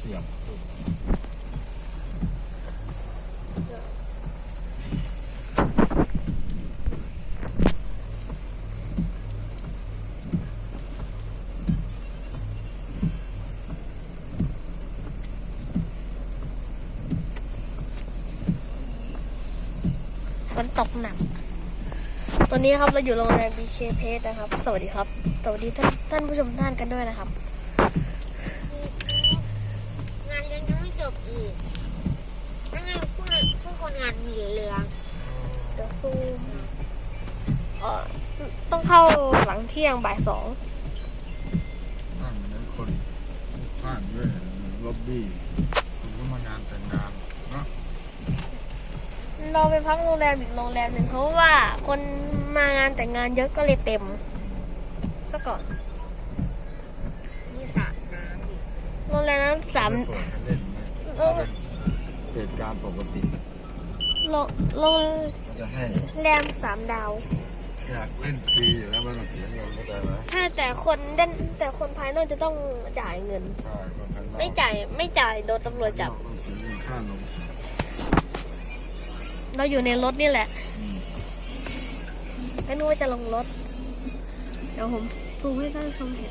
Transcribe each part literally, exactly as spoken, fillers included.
สียบฝนตกหนักตอนนี้ครับเราอยู่โรงแรม บี เค Place นะครับ สวัสดีครับ สวัสดีท่านท่านผู้ชมท่านกันด้วยนะครับงานเลี้ยงยังไม่จบอีกนั่นไงพวกนั้นพวกคนงานมีเรือเดี๋ยวซูมเอ่อต้องเข้าหลังเที่ยงบ่ายสองนั่งนั้นคนข้างด้วยล็อบบี้คุณก็มางานแต่งงานเนาะเราไปพักโรงแรมอีกโรงแรมหนึ่งเพราะว่าคนมางานแต่งงานเยอะก็เลยเต็มซะก่อนมีสระน้ำอีกโรงแรมนั้นสามเปิดให้เล่นไหมถ้าเป็นเหตุการณ์ปกติโรงโรงก็จะให้แรมสามดาวอยากเล่นฟรีอยู่แล้วไม่ต้องเสียเงินเข้าใจไหมถ้าแต่คนเด่นแต่คนภายนอกจะต้องจ่ายเงินใช่คนภายนอกไม่จ่ายไม่จ่ายโดนตำรวจจับต้องเสียเงินค่าลงสีเราอยู่ในรถนี่แหละไม่รู้ว่าจะลงรถเดี๋ยวผมซูมให้ท่านชมเห็น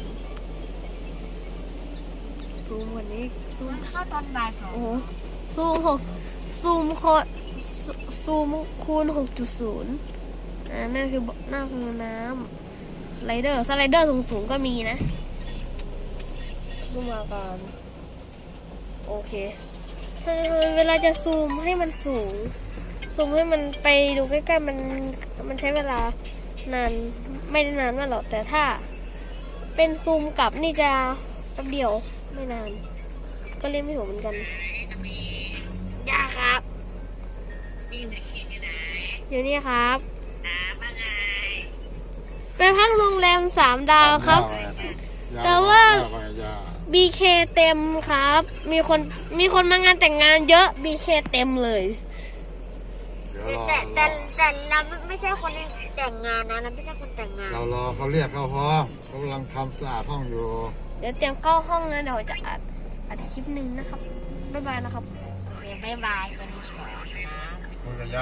ซูมวันนี้ซูมเข้าตอนบ่ายสองโอ้โหซูมหกซูมโคซูมคูณหกจุดศูนย์อ่านั่นคือนั่นคือน้ำสไลเดอร์สไลเดอร์สูงๆก็มีนะซูมมาก่อนโอเคเวลาจะซูมให้มันสูงซูมให้มันไปดูใกล้ๆมันมันใช้เวลานานไม่ได้นานมากหรอกแต่ถ้าเป็นซูมกลับนี่จะแป๊บเดียวไม่นานก็เล่นไม่ถูกเหมือนกันยากครับมีไหนคิดที่ไหนอยู่นี่ครับน้ำอะไรไปพักโรงแรมสามดาวครับแต่ว่า บี เค เต็มครับมีคนมีคนมางานแต่งงานเยอะ บี เค เต็มเลยแต่แต่แต่เราไม่ใช่คนแต่งงานนะเราไม่ใช่คนแต่งงานเรารอเขาเรียกเข้าห้องเขากำลังทำสะอาดห้องอยู่เดี๋ยวเตรียมเข้าห้องนะเดี๋ยวจะอัดอัดคลิปหนึ่งนะครับบ๊ายบายนะครับโอเคบ๊ายบายสวัสดีค่ะ